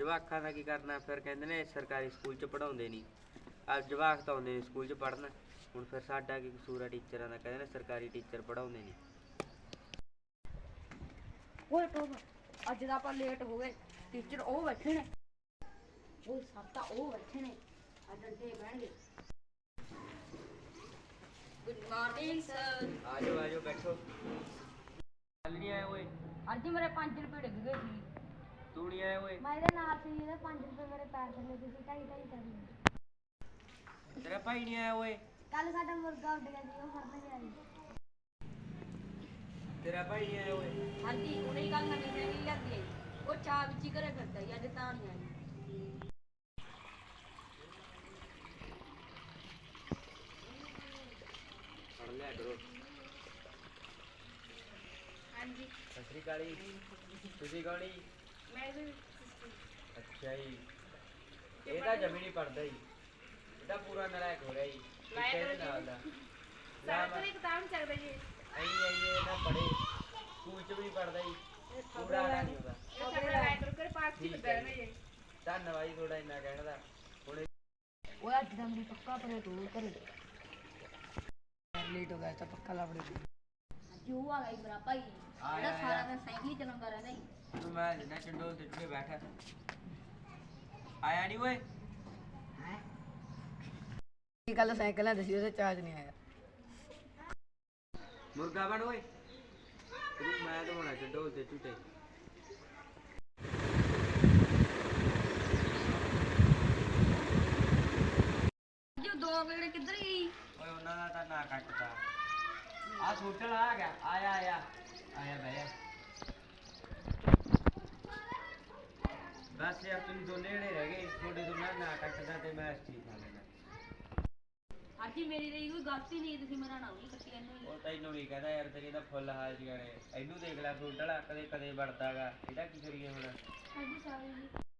ਜਵਾਕਾਂ ਦਾ ਕੀ ਕਰਨਾ, ਫਿਰ ਕਹਿੰਦੇ ਨੇ ਸਰਕਾਰੀ ਸਕੂਲ 'ਚ ਪੜ੍ਹਾਉਂਦੇ ਨਹੀਂ। ਜਵਾਕ ਤਾਂ ਆਉਂਦੇ ਨੇ ਸਕੂਲ 'ਚ ਪੜ੍ਹਨ, ਹੁਣ ਫਿਰ ਸਾਡਾ ਕੀ ਕਸੂਰ ਆ ਟੀਚਰਾਂ ਦਾ? ਕਹਿੰਦੇ ਨੇ ਸਰਕਾਰੀ ਟੀਚਰ ਪੜ੍ਹਾਉਂਦੇ ਨਹੀਂ। ਓਏ ਟੋਬ, ਅੱਜ ਦਾ ਆਪਾਂ ਲੇਟ ਹੋ ਗਏ। ਟੀਚਰ ਉਹ ਬੈਠੇ ਨੇ, ਉਹ ਸਭ ਤਾਂ ਉਹ ਬੈਠੇ ਨੇ, ਅੱਜ ਅੱਡੇ ਬਹਿਣਗੇ। Good morning sir. ਆਜੋ ਬੈਠੋ। ਕੱਲ ਨਹੀਂ ਆਏ ਓਏ? ਅੱਜ ਮੇਰੇ 5 ਰੁਪਏ ਡਿੱਗ ਗਏ ਸੀ। ਤੂੰ ਨਹੀਂ ਆਇਆ ਓਏ? ਮੈਂ ਇਹਦੇ ਨਾਲ ਸੀ, ਇਹਦੇ 5 ਰੁਪਏ ਮੇਰੇ ਪੈਰ ਥੱਲੇ ਸੀ, ਢਾਈ ਕਰ। ਤੇਰਾ ਭਾਈ ਨਹੀਂ ਆਇਆ ਓਏ? ਕੱਲ ਸਾਡਾ ਮੁਰਗਾ ਉੱਡ ਗਿਆ ਸੀ, ਉਹ ਫੜਨ ਗਿਆ ਸੀ। ਤੇਰਾ ਭਾਈ ਨਹੀਂ ਆਇਆ ਓਏ? ਹਾਂਜੀ, ਉਹਨੇ ਹੀ ਕੱਲ ਨਵੀਂ ਸਾਈਕਲ ਲਿਆਂਦੀ ਹੈ, ਉਹ ਚਾਹ ਵਿੱਚ ਹੀ ਘਰੇ ਫਿਰਦਾ ਸੀ, ਅੱਜ ਤਾਂ ਨਹੀਂ ਆਈ। ਪੜ੍ਹ ਲਿਆ ਕਰੋ। ਹਾਂਜੀ। ਸਤਿ ਸ਼੍ਰੀ ਅਕਾਲ ਜੀ। ਤੁਸੀਂ ਕੌਣ ਜੀ? ਮੈਂ ਵੀ। ਅੱਛਾ ਜੀ, ਇਹ ਤਾਂ ਜਮੀ ਨਹੀਂ ਪੜ੍ਹਦਾ ਜੀ, ਇਹ ਤਾਂ ਪੂਰਾ ਨਲਾਇਕ ਹੋ ਰਿਹਾ ਜੀ। ਨਾਲ ਦਾ ਸਾਰਾ ਕਿਤਾਬ ਨਹੀਂ ਚੱਕਦਾ ਜੀ। ਇਹ ਨਾ ਪੜ੍ਹੇ, ਸਕੂਲ 'ਚ ਵੀ ਨਹੀਂ ਪੜ੍ਹਦਾ ਜੀ, ਪੂਰਾ ਆਣਾ ਨਹੀਂ ਹੁੰਦਾ। ਧੰਨਵਾਦ ਜੀ ਤੁਹਾਡਾ ਇੰਨਾ ਕਹਿਣ ਦਾ। ਹੁਣ ਉਹ ਅੱਜ ਦਾ ਮੈਨੂੰ ਪੱਕਾ ਪਰੇ ਤੂੰ ਘਰੇ ਲੇਟ ਹੋ ਗਿਆ ਤਾਂ ਪੱਕਾ ਲੱਭੜੇ ਅੱਜ ਉਹ ਆ ਗਈ ਮੇਰਾ ਭਾਈ, ਜਿਹੜਾ ਸਾਰਾ ਦਿਨ ਸਾਈਕਲ ਹੀ ਚਲਾਉਂਦਾ ਰਹਿੰਦਾ ਸੀ। ਤੂੰ ਮੈਂ ਜਿੰਨਾ ਚੰਡੋਲ ਤੇ ਚੁੱਕੇ ਬੈਠਾ ਆਇਆ ਨਹੀਂ ਓਏ? ਕੀ ਕੱਲ ਸਾਈਕਲ ਹੈ ਦਸੀ, ਉਹਦੇ ਚਾਰਜ ਨਹੀਂ ਆਇਆ। ਮੁਰਗਾ ਬਣ ਓਏ, ਤੂੰ ਮੈਂ ਤਾਂ ਹੋਣਾ ਚੰਡੋਲ ਤੇ ਝੂਟੇ। ਜੋ ਦੋ ਵੇੜੇ ਕਿੱਧਰ ਗਈ? ਓਏ ਉਹਨਾਂ ਦਾ ਤਾਂ ਨਾ ਕੱਟਦਾ। ਆ ਸੋਟਲ ਆ ਗਿਆ, ਆਇਆ ਬਹਿ ਜਾ। ਬਸ ਯਾਰ ਤੁਸੀਂ ਦੋਨੇ ਜਣੇ ਰਹਿ ਗਏ, ਤੁਹਾਡੇ ਦੋਨਾਂ ਨਾ ਕੱਟਦਾ ਤੇ ਮੈਂ ਠੀਕ ਖਾ ਲੈਣਾ। ਅੱਜ ਮੇਰੀ ਰਹੀ ਕੋਈ ਗਲਤੀ ਨਹੀਂ, ਤੁਸੀਂ ਮੇਰਾ ਨਾਮ ਨਹੀਂ ਕੱਟੀ ਇਹਨੂੰ। ਉਹ ਤੈਨੂੰ ਨਹੀਂ ਕਹਿੰਦਾ ਯਾਰ, ਤੇਰੀ ਤਾਂ ਫੁੱਲ ਹਾਲ ਜਗਾਣੇ। ਇਹਨੂੰ ਦੇਖ ਲੈ ਸੋਟਲ ਕਦੇ ਵੜਦਾਗਾ, ਇਹਦਾ ਕੀ ਕਰੀਏ ਹੁਣ? ਹਾਂਜੀ ਸਾਰੀ